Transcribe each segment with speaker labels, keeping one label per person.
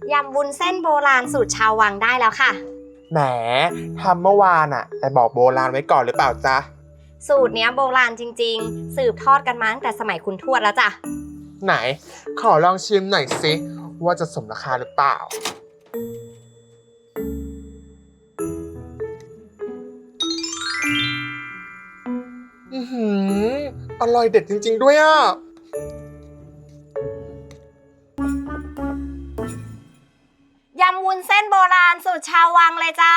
Speaker 1: ยำวุ้นเส้นโบราณสูตรชาววังได้แล้วค่ะ
Speaker 2: แหมทำเมื่อวานอะแต่บอกโบราณไว้ก่อนหรือเปล่าจ๊ะ
Speaker 1: สูตรเนี้ยโบราณจริงๆสืบทอดกันมาตั้งแต่สมัยคุณทวดแล้วจ้ะ
Speaker 2: ไหนขอลองชิมหน่อยสิว่าจะสมราคาหรือเปล่าอร่อยเด็ดจริงๆด้วยอ่ะ
Speaker 1: ยำวุ้นเส้นโบราณสูตรชาววังเลยจ้า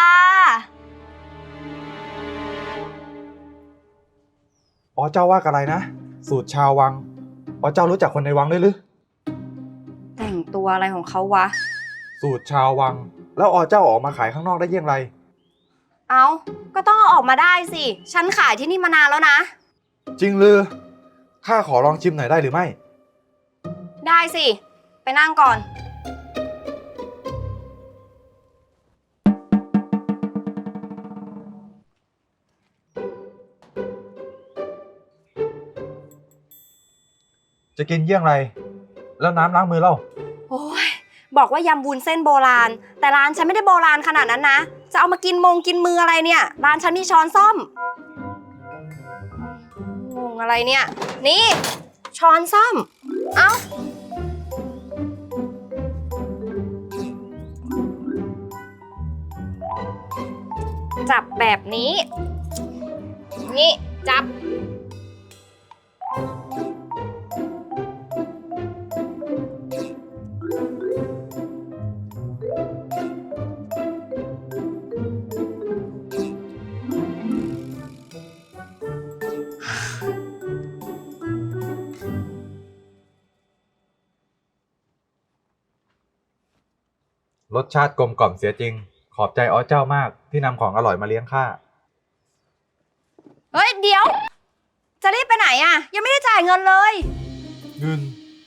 Speaker 3: อ๋อเจ้าว่าอะไรนะสูตรชาววังอ๋อเจ้ารู้จักคนในวังด้วยหรือ
Speaker 1: แต่งตัวอะไรของเขาวะ
Speaker 3: สูตรชาววังแล้วอ๋อเจ้าออกมาขายข้างนอกได้อย่างไร
Speaker 1: เอาก็ต้องเอาออกมาได้สิฉันขายที่นี่มานานแล้วนะ
Speaker 3: จริงหรือข้าขอลองชิมหน่อยได้หรือไม่
Speaker 1: ได้สิไปนั่งก่อน
Speaker 3: จะกินเยี่ยงไรแล้วน้ำล้างมือเล่า
Speaker 1: โอ้ยบอกว่ายำวุ้นเส้นโบราณแต่ร้านฉันไม่ได้โบราณขนาดนั้นนะจะเอามากินมืออะไรเนี่ยร้านฉันมีช้อนส้อมงงอะไรเนี่ยนี่ช้อนส้อมเอ้าจับแบบนี้นี่จับ
Speaker 3: รสชาติกลมกล่อมเสียจริงขอบใจอ๋อเจ้ามากที่นำของอร่อยมาเลี้ยงข้า
Speaker 1: เฮ้ยเดี๋ยวจะรีบไปไหนอ่ะยังไม่ได้จ่ายเงินเลย
Speaker 3: เงิน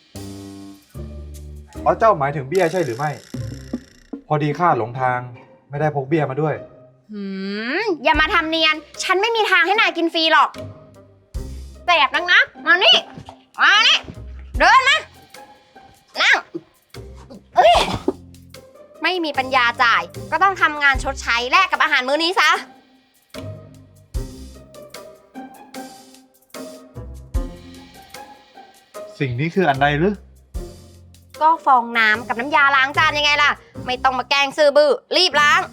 Speaker 3: อ๋อเจ้าหมายถึงเบี้ยใช่หรือไม่พอดีข้าหลงทางไม่ได้พกเบี้ยมาด้วย
Speaker 1: อย่ามาทำเนียนฉันไม่มีทางให้นายกินฟรีหรอกแสบนักนะมานี่เดินมานั่งเอ้ยไม่มีปัญญาจ่ายก็ต้องทำงานชดใช้แลกกับอาหารมื้อนี้ซะ
Speaker 3: สิ่งนี้คืออันใดหรือ
Speaker 1: ก็ฟองน้ำกับน้ำยาล้างจานยังไงล่ะไม่ต้องมาแกล้งซื่อบื้อรีบล้าง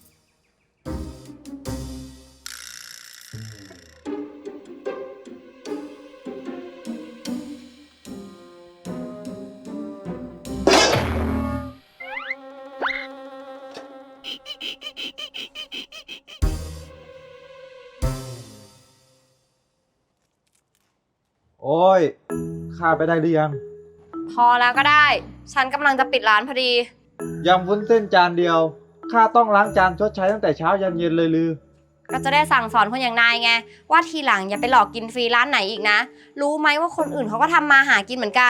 Speaker 3: โอ้ยข้าไปได้หรือยัง
Speaker 1: พอแล้วก็ได้ฉันกำลังจะปิดร้านพอดี
Speaker 3: ยำวุ้นเส้นจานเดียวข้าต้องล้างจานชดใช้ตั้งแต่เช้ายันเย็นเลยลือ
Speaker 1: ก็จะได้สั่งสอนคนอย่างนายไงว่าทีหลังอย่าไปหลอกกินฟรีร้านไหนอีกนะรู้ไหมว่าคนอื่นเขาก็ทำมาหากินเหมือนกัน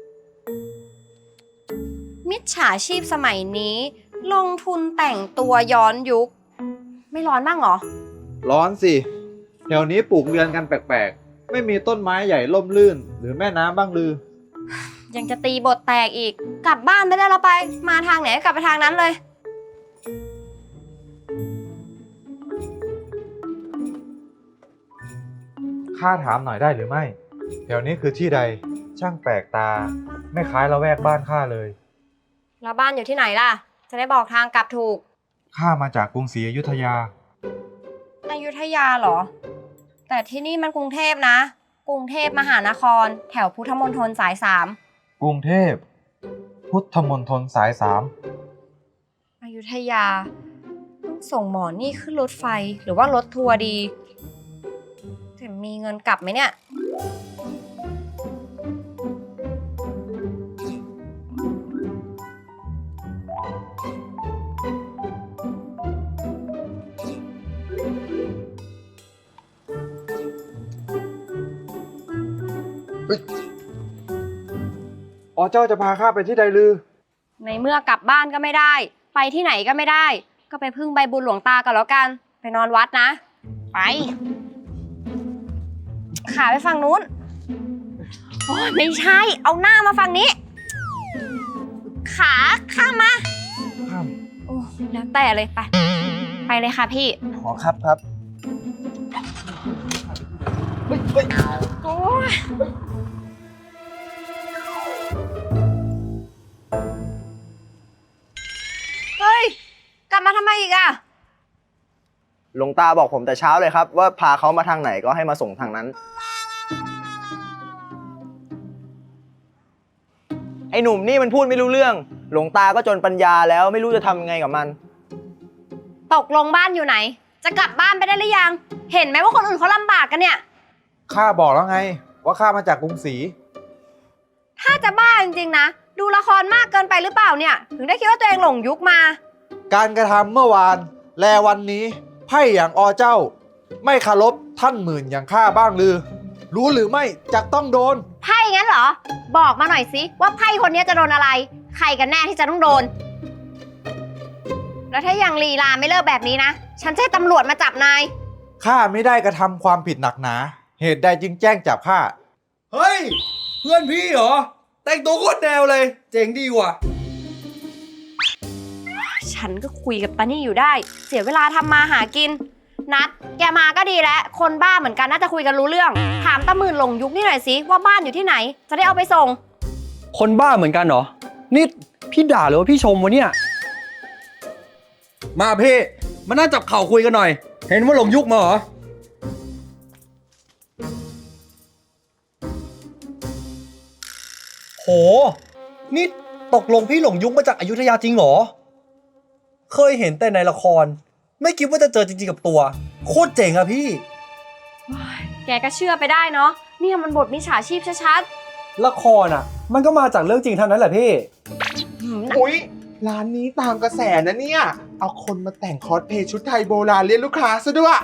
Speaker 1: มิจฉาชีพสมัยนี้ลงทุนแต่งตัวย้อนยุคไม่ร้อนบ้างเหรอ
Speaker 3: ร้อนสิแถวนี้ปลูกเรือนกันแปลกๆไม่มีต้นไม้ใหญ่ร่มรื่นหรือแม่น้ำบ้างลือ
Speaker 1: ยังจะตีบทแตกอีกกลับบ้านไม่ได้แล้วไปมาทางไหนกลับไปทางนั้นเลย
Speaker 3: ข้าถามหน่อยได้หรือไม่แถวนี้คือที่ใดช่างแปลกตาไม่คล้ายละแวกบ้านข้าเลย
Speaker 1: แล้วบ้านอยู่ที่ไหนล่ะจะได้บอกทางกลับถูก
Speaker 3: ข้ามาจากกรุงศรีอยุธยา
Speaker 1: อยุธยาเหรอแต่ที่นี่มันกรุงเทพนะกรุงเทพมหานครแถวพุทธมณฑลสาย3
Speaker 3: กรุงเทพพุทธมณฑลสาย3
Speaker 1: อยุธยาต้องส่งหมอนี่ขึ้นรถไฟหรือว่ารถทัวร์ดีแต่มีเงินกลับไหมเนี่ย
Speaker 3: อ๋อเจ้าจะพาข้าไปที่ใดลือ
Speaker 1: ในเมื่อกลับบ้านก็ไม่ได้ไปที่ไหนก็ไม่ได้ก็ไปพึ่งใบบุญหลวงตากันแล้วกันไปนอนวัดนะไปขาไปฝั่งนู้นโอ้ยไม่ใช่เอาหน้ามาฝั่งนี้ขาข้ามมาแล้วแต่เลยไป ไปเลยค่ะพี่
Speaker 4: อ๋อครับครับ
Speaker 1: โอ้ยเฮ้ย กลับมาทำไมอีกอะ
Speaker 4: หลวงตาบอกผมแต่เช้าเลยครับ ว่าพาเขามาทางไหนก็ให้มาส่งทางนั้น ไอ้หนุ่มนี่มันพูดไม่รู้เรื่อง หลวงตาก็จนปัญญาแล้วไม่รู้จะทำยังไงกับมัน
Speaker 1: ตกลงบ้านอยู่ไหน จะกลับบ้านไปได้หรือยัง เห็นไหมว่าคนอื่นเขาลำบากกันเนี่ย
Speaker 3: ข้าบอกแล้วไง ว่าข้ามาจากกรุงศรี
Speaker 1: ถ้าจะบ้าจริงๆนะ ดูละครมากเกินไปหรือเปล่าเนี่ย ถึงได้คิดว่าตัวเองหลงยุคมา
Speaker 3: การกระทำเมื่อวาน แลวันนี้ไพ่อย่างอเจ้า ไม่เคารพท่านหมื่นอย่างข้าบ้างหรือ รู้หรือไม่จักต้องโดน
Speaker 1: ไพ่งั้นเหรอ บอกมาหน่อยสิว่าไพ่คนนี้จะโดนอะไร ใครกันแน่ที่จะต้องโดน แล้วถ้ายังลีลาไม่เลิกแบบนี้นะ ฉันจะให้ตำรวจมาจับนาย
Speaker 3: ข้าไม่ได้กระทำความผิดหนักหนา เหตุใดจึงแจ้งจับข้า เฮ้ย เพื่อนพี่เหรอ แต่งตัวโคตรแนวเลย เจ๋งดีว่ะ
Speaker 1: ฉันก็คุยกับตานี่อยู่ได้ เสียเวลาทำมาหากิน นัด แกมาก็ดีแล้ว คนบ้าเหมือนกันน่าจะคุยกันรู้เรื่อง ถามตาหมื่นหลงยุคนี่หน่อยสิว่าบ้านอยู่ที่ไหน จะได้เอาไปส่ง
Speaker 5: คนบ้าเหมือนกันเหรอ นี่พี่ด่าหรือว่าพี่ชมวะเนี่ย
Speaker 3: มาพี่มานั่งจับเข่าคุยกันหน่อย เห็นว่าหลงยุคมาเหรอ
Speaker 5: โห นี่ตกลงพี่หลงยุคมาจากอยุธยาจริงเหรอ เคยเห็นแต่ในละคร ไม่คิดว่าจะเจอจริงๆกับตัว โคตรเจ๋งอะพี่
Speaker 1: แกก็เชื่อไปได้เนาะเนี่ยมันบทมิจฉาชีพชัด
Speaker 5: ละครอะมันก็มาจากเรื่องจริงเท่านั้นแหละพี่
Speaker 1: ๆ
Speaker 2: อุ๊ย ร้านนี้ตามกระแสนะเนี่ย เอาคนมาแต่งคอสเพลย์ชุดไทยโบราณเรียกลูกค้าซะด้วย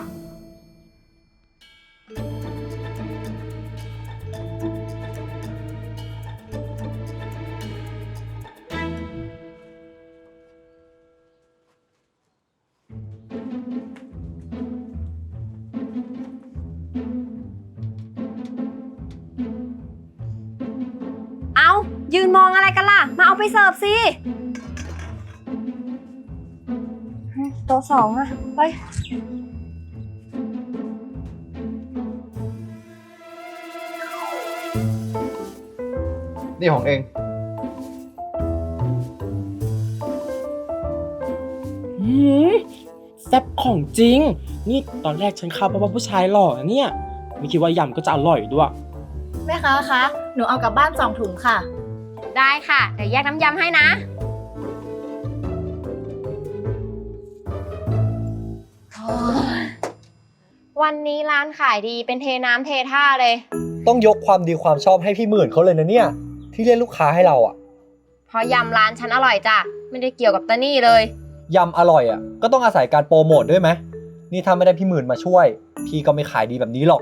Speaker 1: เอายืนมองอะไรกันล่ะ มาเอาไปเสิร์ฟสิโต๊ะสองอะไป
Speaker 3: นี่ของเอง
Speaker 6: แซ่บของจริง นี่ตอนแรกฉันเข้าเพราะว่าผู้ชายหล่อนะเนี่ย ไม่คิดว่ายำก็จะอร่อยด้วย
Speaker 7: แม่ค้าคะ หนูเอากลับบ้าน2 ถุงค่ะ
Speaker 1: ได้ค่ะ เดี๋ยวแยกน้ำยำให้นะ วันนี้ร้านขายดีเป็นเทน้ำเทท่าเลย
Speaker 5: ต้องยกความดีความชอบให้พี่หมื่นเขาเลยนะเนี่ย ที่เรียกลูกค้าให้เราอะ
Speaker 1: เพราะยำร้านฉันอร่อยจ้ะ ไม่ได้เกี่ยวกับตานี่เลย
Speaker 5: ยำอร่อยอะก็ต้องอาศัยการโปรโมทด้วยไหม นี่ถ้าไม่ได้พี่หมื่นมาช่วย พี่ก็ไม่ขายดีแบบนี้หรอก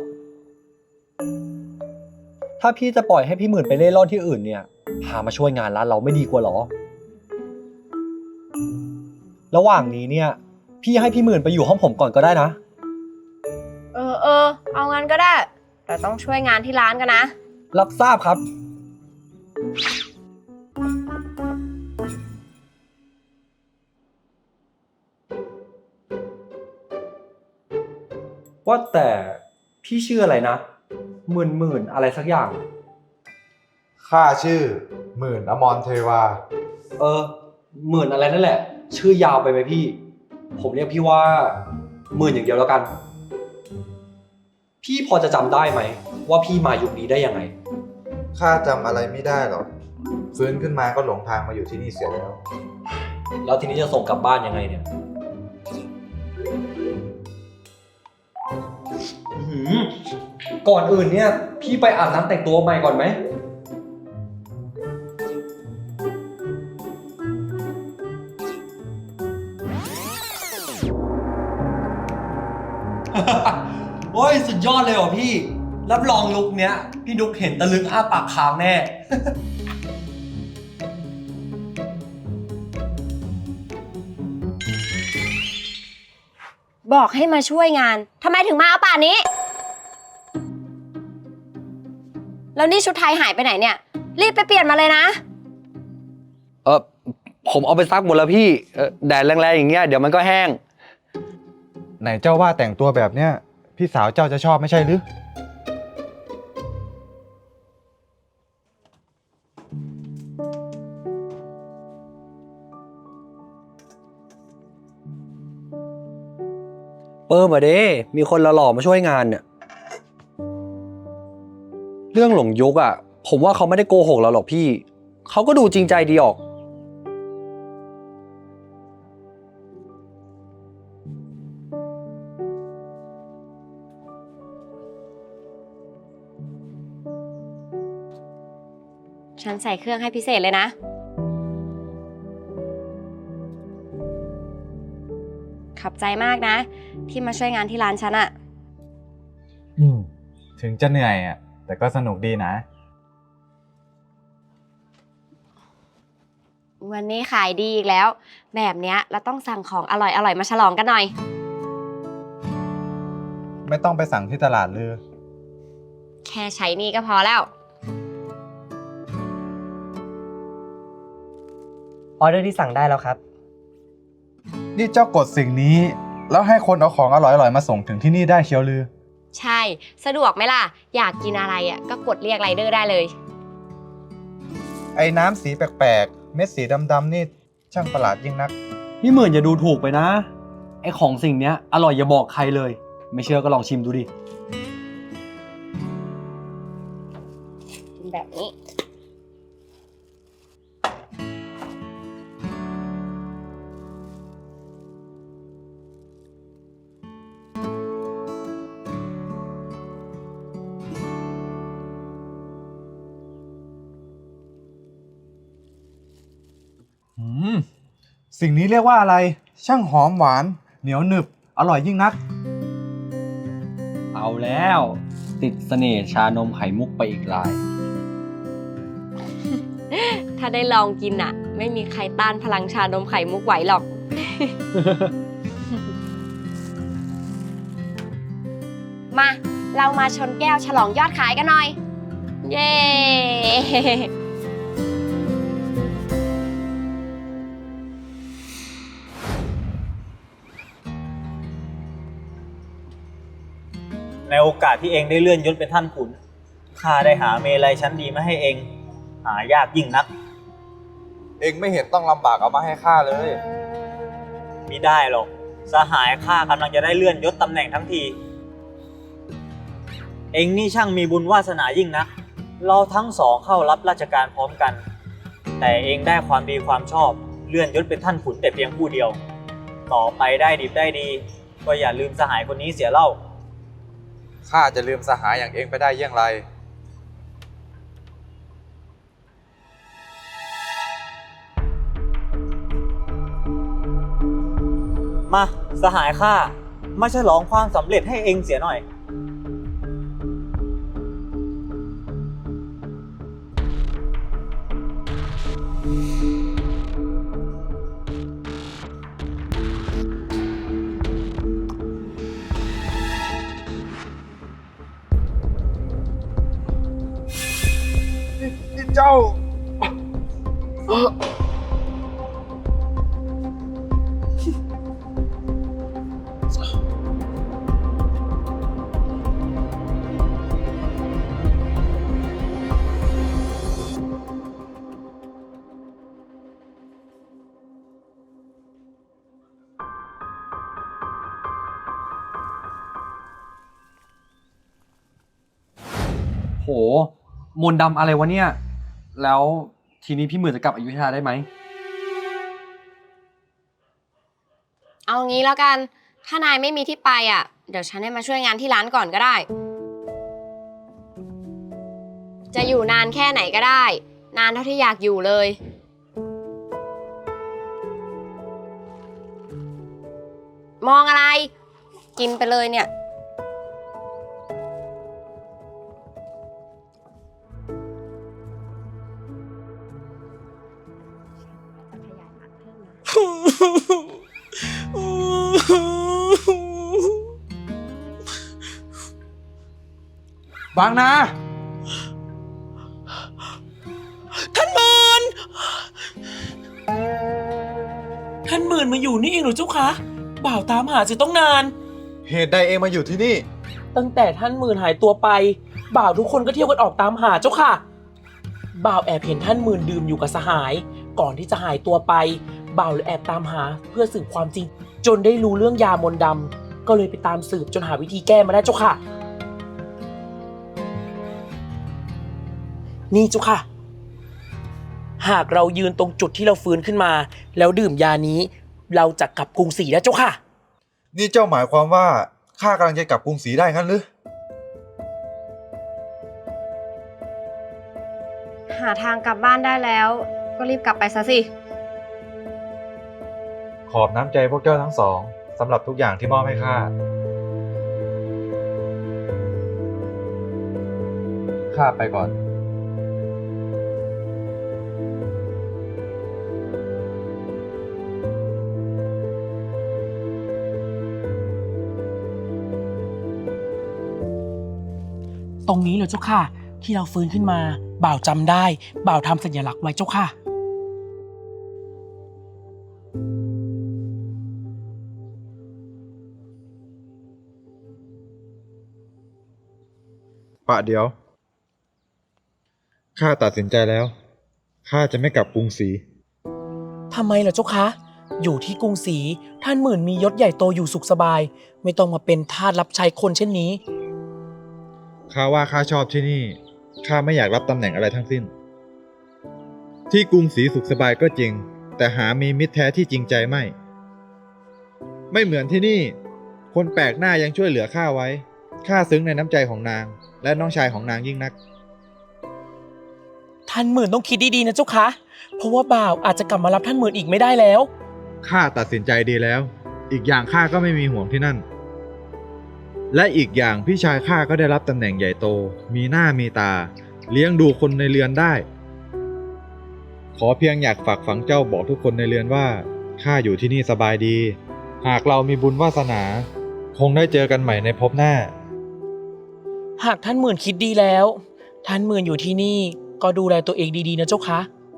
Speaker 5: ถ้าพี่จะปล่อยให้พี่หมื่นไปเล่ร่อนที่อื่นเนี่ย พามาช่วยงานร้านเราไม่ดีกว่าหรอ ระหว่างนี้เนี่ย พี่ให้พี่หมื่นไปอยู่ห้องผมก่อนก็ได้นะ
Speaker 1: เอางั้นก็ได้ แต่ต้องช่วยงานที่ร้านกันนะ
Speaker 5: รับทราบครับ ว่าแต่พี่ชื่ออะไรนะหมื่นอะไรสักอย่าง
Speaker 3: ข้าชื่อ หมื่นอมรเทวา
Speaker 5: หมื่นอะไรนั่นแหละ ชื่อยาวไปไหมพี่ ผมเรียกพี่ว่าหมื่นอย่างเดียวแล้วกัน พี่พอจะจำได้ไหมว่าพี่มายุคนี้ได้ยังไง
Speaker 3: ข้าจำอะไรไม่ได้หรอก ฟื้นขึ้นมาก็หลงทางมาอยู่ที่นี่เสียแล้ว
Speaker 5: แล้วทีนี้จะส่งกลับบ้านยังไงเนี่ยก่อนอื่นเนี่ย พี่ไปอาบน้ำแต่งตัวใหม่ก่อนไหม โอ้ยสุดยอดเลยเหรอพี่ รับรองลุคเนี้ย พี่ดุกเห็นตะลึงอ้าปากค้างแน่
Speaker 1: บอกให้มาช่วยงาน ทำไมถึงมาเอาป่านนี้ แล้วนี่ชุดไทยหายไปไหนเนี่ย รีบไปเปลี่ยนมาเลยนะ
Speaker 5: ผผมเอาไปซักหมดแล้วพี่แดดแรงๆอย่างเงี้ยเดี๋ยวมันก็แห้ง
Speaker 3: ไหนเจ้าว่าแต่งตัวแบบเนี้ยพี่สาวเจ้าจะชอบไม่ใช่หรือ
Speaker 5: เปิ่มอะเด้มีคนหล่อๆมาช่วยงานเนี่ยเรื่องหลงยุคอะผมว่าเขาไม่ได้โกหกเราหรอกพี่เขาก็ดูจริงใจดีออก
Speaker 1: ฉันใส่เครื่องให้พิเศษเลยนะ ขอบใจมากนะ ที่มาช่วยงานที่ร้านฉันอะ
Speaker 3: ถึงจะเหนื่อยอ่ะแต่ก็สนุกดีนะ
Speaker 1: วันนี้ขายดีอีกแล้ว แบบเนี้ยเราต้องสั่งของอร่อยๆมาฉลองกันหน่อย
Speaker 3: ไม่ต้องไปสั่งที่ตลาดเลย
Speaker 1: แค่ใช้หนี่ก็พอแล้ว
Speaker 8: ออเดอร์ที่สั่งได้แล้วครับ
Speaker 3: นี่เจ้ากดสิ่งนี้ แล้วให้คนเอาของอร่อยๆมาส่งถึงที่นี่ได้เชียวลือ
Speaker 1: ใช่ สะดวกไหมล่ะ อยากกินอะไรอะก็กดเรียกไรเดอร์ได้เลย
Speaker 3: ไอ้น้ำสีแปลกๆ เม็ดสีดำๆนี่ช่างประหลาดยิ่งนัก
Speaker 5: พี่หมื่นอย่าดูถูกไปนะไอของสิ่งเนี้ยอร่อยอย่าบอกใครเลย ไม่เชื่อก็ลองชิมดูดิ
Speaker 1: กินแบบนี้
Speaker 3: สิ่งนี้เรียกว่าอะไร ช่างหอมหวาน เหนียวหนึบ อร่อยยิ่งนัก
Speaker 5: เอาแล้ว ติดเสน่ห์ชานมไข่มุกไปอีกลาย
Speaker 1: ถ้าได้ลองกินอะไม่มีใครต้านพลังชานมไข่มุกไหวหรอก มาเรามาชนแก้วฉลองยอดขายกันหน่อย เย้
Speaker 9: ในโอกาสที่เองได้เลื่อนยศเป็นท่านขุนข้าได้หาเมลัยชั้นดีมาให้เอง หายากยิ่งนัก
Speaker 3: เองไม่เห็นต้องลำบากเอามาให้ข้าเลย
Speaker 9: มิได้หรอกสหายข้ากำลังจะได้เลื่อนยศตำแหน่งทั้งที เองนี่ช่างมีบุญวาสนายิ่งนัก เราทั้งสองเข้ารับราชการพร้อมกัน แต่เองได้ความดีความชอบเลื่อนยศเป็นท่านขุนแต่เพียงผู้เดียว ต่อไปได้ดิบได้ดี ก็อย่าลืมสหายคนนี้เสียเล่า
Speaker 3: ข้าจะลืมสหายอย่างเองไปได้อย่างไร
Speaker 9: มาสหายข้ามาฉลองความสำเร็จให้เองเสียหน่อย
Speaker 3: นี่เจ้า
Speaker 5: โหมนต์ดำอะไรวะเนี่ย แล้วทีนี้พี่หมื่นจะกลับอยุธยาได้ไหม
Speaker 1: เอางี้แล้วกัน ถ้านายไม่มีที่ไปอะเดี๋ยวฉันให้มาช่วยงานที่ร้านก่อนก็ได้ จะอยู่นานแค่ไหนก็ได้ นานเท่าที่อยากอยู่เลย มองอะไร กินไปเลยเนี่ย
Speaker 3: บางนา
Speaker 6: ท่านหมื่นท่านหมื่นมาอยู่นี่เองเหรือเจ้าคะบ่าวตามหาจะต้องนาน
Speaker 3: เหตุใดเองมาอยู่ที่นี่
Speaker 6: ตั้งแต่ท่านหมื่นหายตัวไป บ่าวทุกคนก็เที่ยวกันออกตามหาเจ้าค่ะ บ่าวแอบเห็นท่านหมื่นดื่มอยู่กับสหาย ก่อนที่จะหายตัวไป บ่าวเลยแอบตามหาเพื่อสืบความจริง จนได้รู้เรื่องยามนต์ดำก็เลยไปตามสืบจนหาวิธีแก้มาได้เจ้าค่ะ นี่เจ้าค่ะ หากเรายืนตรงจุดที่เราฟื้นขึ้นมา แล้วดื่มยานี้ เราจะกลับกรุงศรีแล้วเจ้าค่ะ
Speaker 3: นี่เจ้าหมายความว่าข้ากำลังจะกลับกรุงศรีได้งั้นหรือ
Speaker 1: หาทางกลับบ้านได้แล้ว ก็รีบกลับไปซะสิ
Speaker 3: ขอบน้ำใจพวกเจ้าทั้งสองสำหรับทุกอย่างที่มอบให้ข้า ข้าไปก่อน
Speaker 6: ตรงนี้เลยเจ้าค่ะ ที่เราฟื้นขึ้นมา บ่าวจำได้ บ่าวทำสัญลักษณ์ไว้เจ้าค่ะ
Speaker 3: ปะเดี๋ยว ข้าตัดสินใจแล้ว ข้าจะไม่กลับกรุงศรี
Speaker 6: ทำไมล่ะเจ้าคะ อยู่ที่กรุงศรีท่านหมื่นมียศใหญ่โตอยู่สุขสบาย ไม่ต้องมาเป็นทาสรับใช้คนเช่นนี้
Speaker 3: ข้าว่าข้าชอบที่นี่ ข้าไม่อยากรับตำแหน่งอะไรทั้งสิ้น ที่กรุงศรีสุขสบายก็จริง แต่หามีมิตรแท้ที่จริงใจไม่ ไม่เหมือนที่นี่ คนแปลกหน้ายังช่วยเหลือข้าไว้ ข้าซึ้งในน้ำใจของนาง และน้องชายของนางยิ่งนัก
Speaker 6: ท่านหมื่นต้องคิดดีๆนะเจ้าคะ เพราะว่าบ่าวอาจจะกลับมารับท่านหมื่นอีกไม่ได้แล้ว
Speaker 3: ข้าตัดสินใจดีแล้ว อีกอย่างข้าก็ไม่มีห่วงที่นั่น และอีกอย่างพี่ชายข้าก็ได้รับตำแหน่งใหญ่โต มีหน้ามีตา เลี้ยงดูคนในเรือนได้ ขอเพียงอยากฝากฝังเจ้าบอกทุกคนในเรือนว่าข้าอยู่ที่นี่สบายดี หากเรามีบุญวาสนา คงได้เจอกันใหม่ในภพหน้า
Speaker 6: หากท่านหมื่นคิดดีแล้ว ท่านหมื่นอยู่ที่นี่ก็ดูแลตัวเองดีๆนะเจ้าคะ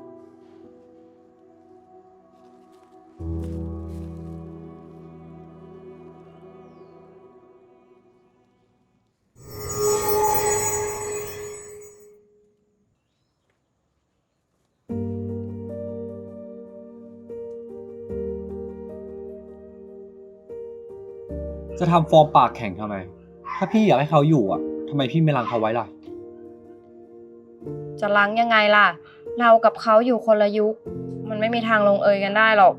Speaker 5: จะทำฟอร์มปากแข็งทำไม ถ้าพี่อยากให้เขาอยู่อ่ะทำไมพี่ไม่รังเขาไว้ล่ะ
Speaker 1: จะล้างยังไงล่ะ เรากับเขาอยู่คนละยุค มันไม่มีทางลงเอยกันได้หรอก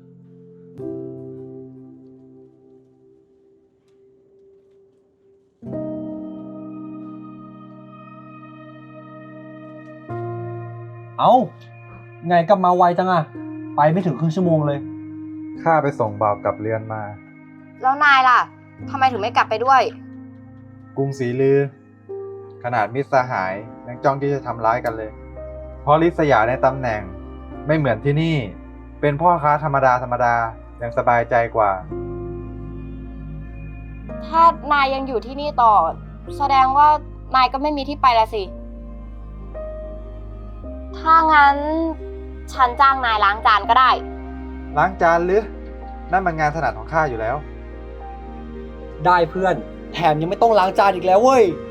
Speaker 5: เอ้า ไงกลับมาไวจังอะไปไม่ถึงครึ่งชั่วโมงเลย
Speaker 3: ข้าไปส่งบ่าวกลับเรือนมา
Speaker 1: แล้วนายล่ะ ทำไมถึงไม่กลับไปด้วย
Speaker 3: กรุงศรีลือ ขนาดมิตรสหายยังจ้องที่จะทำร้ายกันเลย เพราะริษยาในตำแหน่งไม่เหมือนที่นี่ เป็นพ่อค้าธรรมดายังสบายใจกว่า
Speaker 1: ถ้านายยังอยู่ที่นี่ต่อ แสดงว่านายก็ไม่มีที่ไปละสิ ถ้างั้น ฉันจ้างนายล้างจานก็ได้
Speaker 3: ล้างจานหรือ นั่นมันงานถนัดของข้าอยู่แล้ว
Speaker 5: ได้เพื่อน แถมยังไม่ต้องล้างจานอีกแล้วเว้ย